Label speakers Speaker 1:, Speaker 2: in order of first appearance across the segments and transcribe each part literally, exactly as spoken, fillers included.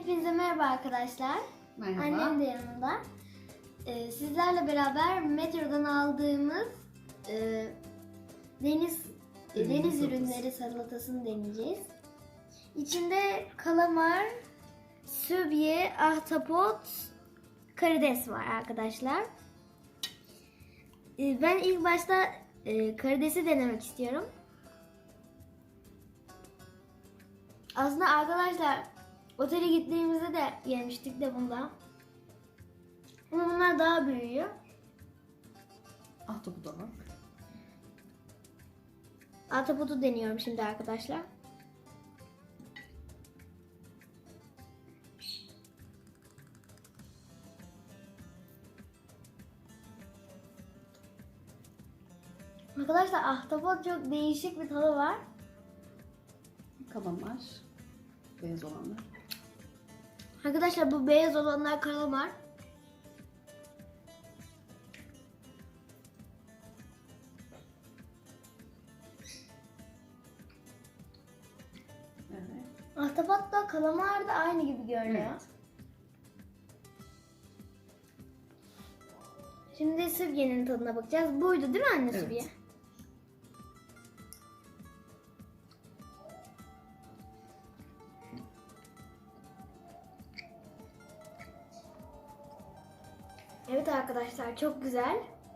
Speaker 1: Hepinize merhaba arkadaşlar.
Speaker 2: Merhaba.
Speaker 1: Annem de yanımda. Ee, sizlerle beraber metrodan aldığımız e, deniz e,
Speaker 2: Deniz
Speaker 1: deniz
Speaker 2: salatası.
Speaker 1: ürünleri salatasını deneyeceğiz. İçinde kalamar, sübye, ahtapot, karides var arkadaşlar. Ee, ben ilk başta e, karidesi denemek istiyorum. Aslında arkadaşlar otele gittiğimizde de yemiştik de bunda. Ama bunlar daha büyüyor.
Speaker 2: Ahtapotu bak.
Speaker 1: Ahtapotu deniyorum şimdi arkadaşlar. Arkadaşlar ahtapot çok değişik bir tadı var.
Speaker 2: Kalamar. Beyaz olanlar.
Speaker 1: Arkadaşlar bu beyaz olanlar kalamar.
Speaker 2: Evet.
Speaker 1: Ahtapot da kalamar da aynı gibi görünüyor.
Speaker 2: Evet.
Speaker 1: Şimdi sübyenin tadına bakacağız. Buydu değil mi anne
Speaker 2: Evet.
Speaker 1: sübye? Evet arkadaşlar çok güzel.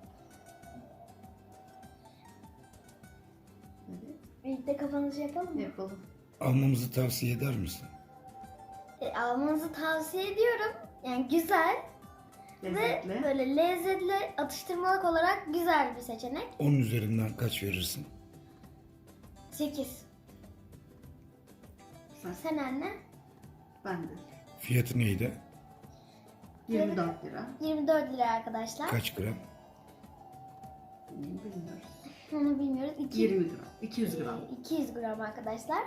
Speaker 2: Evet.
Speaker 1: Birlikte kapanışı yapalım mı?
Speaker 2: Yapalım.
Speaker 3: Almamızı tavsiye eder misin?
Speaker 1: E, almanızı tavsiye ediyorum. Yani güzel
Speaker 2: Lezzetli.
Speaker 1: ve böyle lezzetli atıştırmalık olarak güzel bir seçenek.
Speaker 3: on üzerinden kaç verirsin?
Speaker 1: sekiz.
Speaker 2: Sen,
Speaker 1: Sen anne?
Speaker 2: ben de.
Speaker 3: Fiyatı neydi?
Speaker 2: yirmi dört lira.
Speaker 1: yirmi dört lira arkadaşlar.
Speaker 3: Kaç gram?
Speaker 2: Bilmiyoruz.
Speaker 1: Onu bilmiyoruz. İki-
Speaker 2: yirmi gram. iki yüz gram.
Speaker 1: e, iki yüz gram arkadaşlar.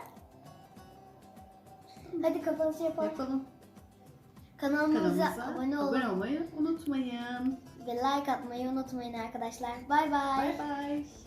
Speaker 1: Hadi kapanışı yapalım.
Speaker 2: Yapalım.
Speaker 1: Kanalımıza,
Speaker 2: Kanalımıza
Speaker 1: abone olun
Speaker 2: abone olmayı unutmayın.
Speaker 1: ve like atmayı unutmayın arkadaşlar. Bay bay.
Speaker 2: Bay bay.